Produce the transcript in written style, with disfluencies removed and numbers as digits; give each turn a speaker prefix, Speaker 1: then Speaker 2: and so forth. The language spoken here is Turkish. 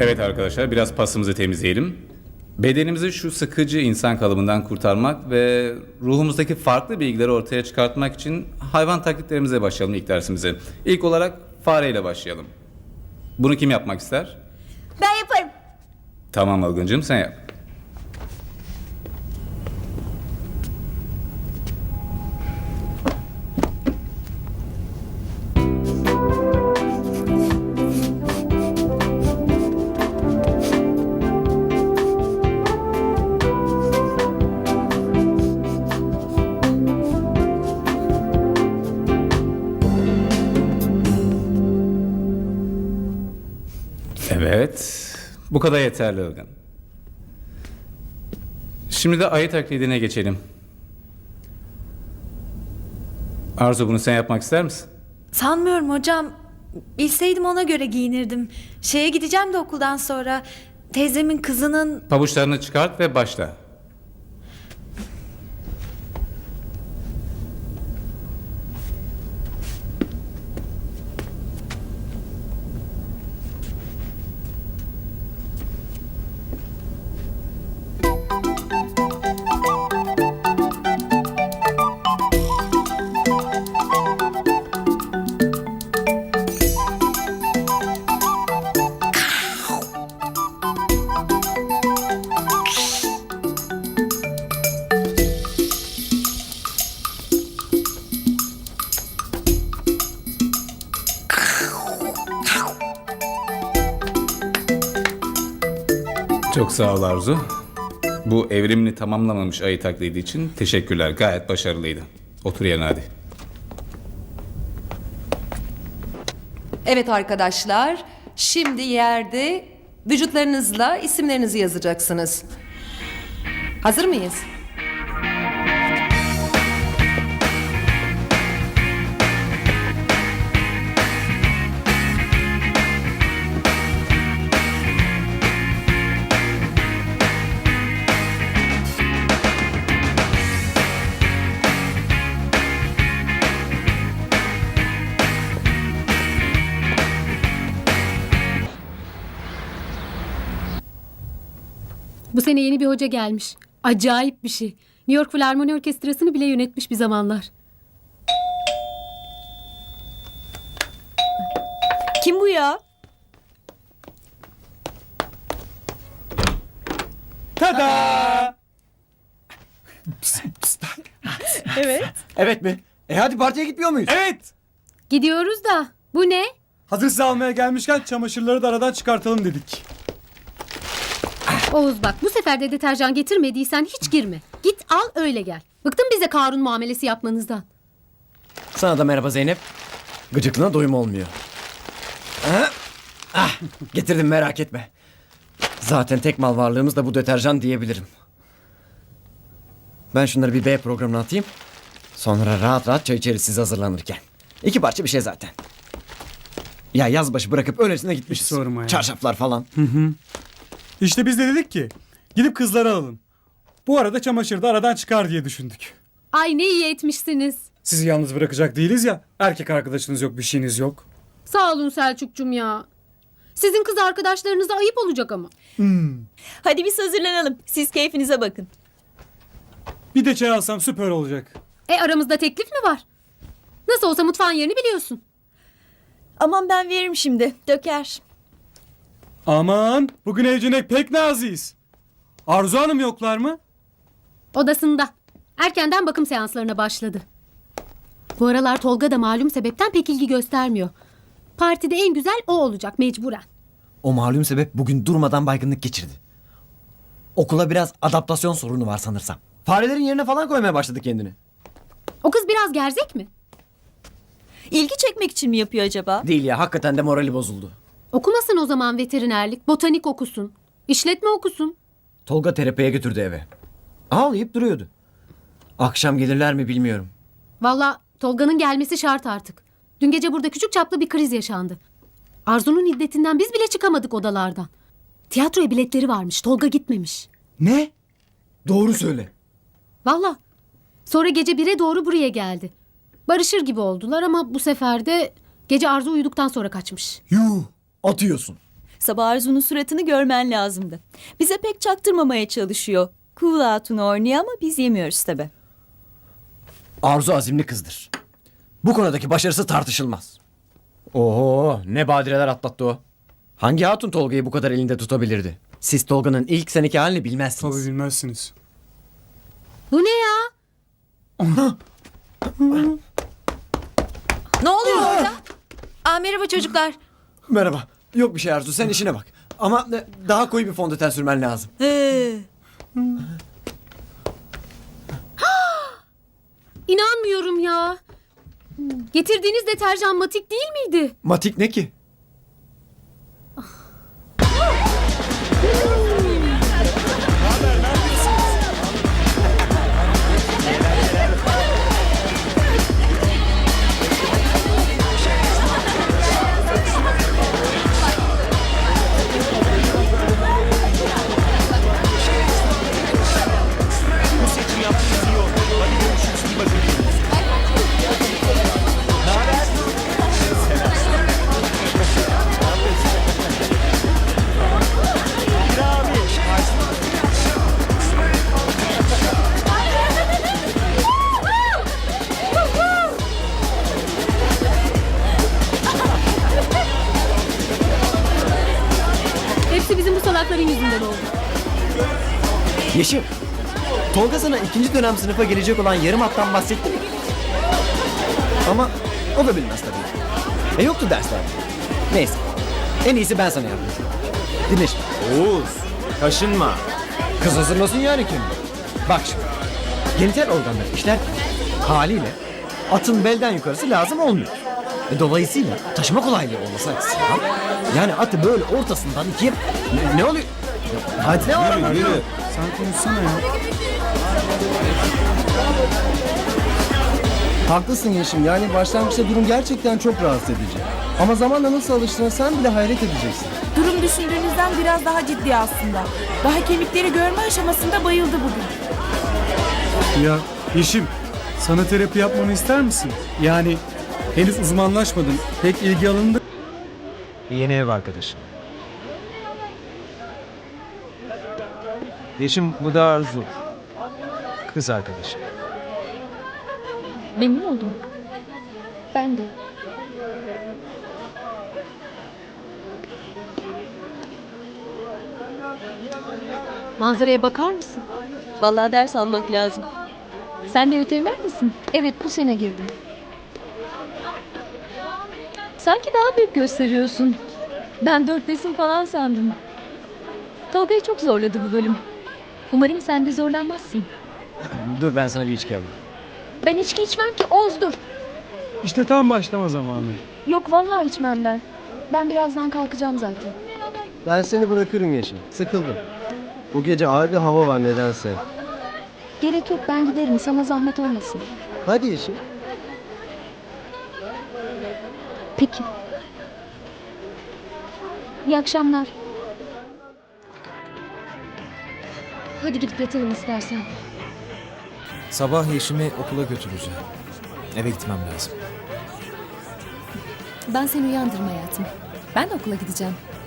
Speaker 1: Evet arkadaşlar, biraz pasımızı temizleyelim. Bedenimizi şu sıkıcı insan kalıbından kurtarmak ve ruhumuzdaki farklı bilgileri ortaya çıkartmak için hayvan taklitlerimize başlayalım ilk dersimize. İlk olarak fareyle başlayalım. Bunu kim yapmak ister?
Speaker 2: Ben yaparım.
Speaker 1: Tamam Algıncığım, sen yap. Evet, bu kadar yeterli Ilgın. Şimdi de ayı taklidine geçelim. Arzu, bunu sen yapmak ister misin?
Speaker 2: Sanmıyorum hocam. Bilseydim ona göre giyinirdim. Şeye gideceğim de okuldan sonra. Teyzemin kızının...
Speaker 1: Pabuçlarını çıkart ve başla. Çok sağ ol Arzu. Bu evrimini tamamlamamış ayı taklidi için teşekkürler. Gayet başarılıydı. Otur yerine hadi.
Speaker 3: Evet arkadaşlar, şimdi yerde vücutlarınızla isimlerinizi yazacaksınız. Hazır mıyız?
Speaker 4: Bu sene yeni bir hoca gelmiş. Acayip bir şey. New York Filarmoni Orkestrası'nı bile yönetmiş bir zamanlar.
Speaker 2: Kim bu ya?
Speaker 5: Tada!
Speaker 2: Evet.
Speaker 5: Evet mi? Hadi partiye gitmiyor muyuz? Evet.
Speaker 4: Gidiyoruz da. Bu ne?
Speaker 5: Hazır sizi almaya gelmişken çamaşırları da aradan çıkartalım dedik.
Speaker 4: Oğuz bak, bu sefer de deterjan getirmediysen hiç girme. Git al öyle gel. Bıktım bize Karun muamelesi yapmanızdan.
Speaker 6: Sana da merhaba Zeynep. Gıcıklığına doyum olmuyor. Getirdim, merak etme. Zaten tek mal varlığımız da bu deterjan diyebilirim. Ben şunları bir B programına atayım. Sonra rahat rahat çay içeriz siz hazırlanırken. 2 parça bir şey zaten. Ya yaz başı bırakıp öylesine gitmişiz.
Speaker 5: Hiç sorma ya.
Speaker 6: Çarşaflar falan.
Speaker 5: İşte biz de dedik ki gidip kızları alalım. Bu arada çamaşırı da aradan çıkar diye düşündük.
Speaker 4: Ay ne iyi etmişsiniz.
Speaker 5: Sizi yalnız bırakacak değiliz ya. Erkek arkadaşınız yok, bir şeyiniz yok.
Speaker 4: Sağ olun Selçuk'cum ya. Sizin kız arkadaşlarınıza ayıp olacak ama.
Speaker 7: Hadi biz hazırlanalım. Siz keyfinize bakın.
Speaker 5: Bir de çay alsam süper olacak.
Speaker 4: Aramızda teklif mi var? Nasıl olsa mutfağın yerini biliyorsun.
Speaker 7: Aman ben veririm şimdi. Döker.
Speaker 5: Aman bugün evcinek pek naziyiz. Arzu Hanım yoklar mı?
Speaker 4: Odasında. Erkenden bakım seanslarına başladı. Bu aralar Tolga da malum sebepten pek ilgi göstermiyor. Partide en güzel o olacak mecburen.
Speaker 6: O malum sebep bugün durmadan baygınlık geçirdi. Okula biraz adaptasyon sorunu var sanırsam. Farelerin yerine falan koymaya başladı kendini.
Speaker 4: O kız biraz gerzek mi?
Speaker 7: İlgi çekmek için mi yapıyor acaba?
Speaker 6: Değil ya, hakikaten de morali bozuldu.
Speaker 4: Okumasın o zaman veterinerlik, botanik okusun, işletme okusun.
Speaker 6: Tolga terapiye götürdü eve. Ağlayıp duruyordu. Akşam gelirler mi bilmiyorum.
Speaker 4: Valla Tolga'nın gelmesi şart artık. Dün gece burada küçük çaplı bir kriz yaşandı. Arzu'nun hiddetinden biz bile çıkamadık odalardan. Tiyatroya biletleri varmış, Tolga gitmemiş.
Speaker 6: Ne? Doğru söyle.
Speaker 4: Valla. Sonra gece 1'e doğru buraya geldi. Barışır gibi oldular ama bu sefer de gece Arzu uyuduktan sonra kaçmış.
Speaker 6: Yuh, atıyorsun.
Speaker 7: Sabah Arzu'nun suratını görmen lazımdı. Bize pek çaktırmamaya çalışıyor. Cool Hatun oynuyor ama biz yemiyoruz tabi.
Speaker 6: Arzu azimli kızdır. Bu konudaki başarısı tartışılmaz. Oho, ne badireler atlattı o. Hangi hatun Tolga'yı bu kadar elinde tutabilirdi? Siz Tolga'nın ilk seneki halini bilmezsiniz.
Speaker 5: Tabii bilmezsiniz.
Speaker 4: Bu ne ya?
Speaker 2: Ne oluyor orada? Merhaba çocuklar.
Speaker 6: Merhaba. Yok bir şey Arzu, sen işine bak. Ama daha koyu bir fondöten sürmen lazım.
Speaker 4: İnanmıyorum ya. Getirdiğiniz deterjan Matik değil miydi?
Speaker 6: Matik ne ki?
Speaker 4: Hepsi bizim bu salakların yüzünden oldu.
Speaker 6: Yeşim, Tolga sana ikinci dönem sınıfa gelecek olan yarım hattan bahsetti mi? Ama o da bilmez tabii. Yoktu derslerde. Neyse, en iyisi ben sana yardımcı olayım. Dinle şimdi.
Speaker 8: Oğuz, kaşınma.
Speaker 6: Kız hazırlasın yani kendini. Bak şimdi, genital organları işlerken haliyle atın belden yukarısı lazım olmuyor. Dolayısıyla taşıma kolaylığı olması açısından yani atı böyle ortasından ikiye... Ne oluyor? Hadi ne var?
Speaker 8: Yürü.
Speaker 5: Sen konuşsana ya.
Speaker 9: Haklısın Yeşim. Yani başlangıçta durum gerçekten çok rahatsız edici. Ama zamanla nasıl alıştığına sen bile hayret edeceksin.
Speaker 10: Durum düşündüğünüzden biraz daha ciddi aslında. Daha kemikleri görme aşamasında bayıldı bugün.
Speaker 5: Ya Yeşim, sana terapi yapmamı ister misin? Yani henüz uzmanlaşmadın. Pek ilgi alanında.
Speaker 8: Yeni ev arkadaşım. Yeşim, bu da Arzu. Kız arkadaşım.
Speaker 4: Memnun oldum. Ben de. Manzaraya bakar mısın?
Speaker 7: Vallahi ders almak lazım.
Speaker 4: Sen de veteriner misin? Evet, bu sene girdim. Sanki daha büyük gösteriyorsun. Ben 4'tesin falan sandım. Tolga'yı çok zorladı bu bölüm. Umarım sen de zorlanmazsın.
Speaker 6: Dur ben sana bir içki alayım.
Speaker 4: Ben içki içmem ki, Oğuz dur.
Speaker 5: İşte tam başlama zamanı.
Speaker 4: Yok vallahi içmem ben. Ben birazdan kalkacağım zaten.
Speaker 9: Ben seni bırakırım Yeşim. Sıkıldım. Bu gece ağır bir hava var nedense.
Speaker 4: Gerek yok, ben giderim, sana zahmet olmasın.
Speaker 9: Hadi Yeşim.
Speaker 4: Peki. İyi akşamlar. Hadi gidip yatalım istersen.
Speaker 8: Sabah Yeşim'i okula götüreceğim. Eve gitmem lazım.
Speaker 11: Ben seni uyandırma hayatım. Ben de okula gideceğim.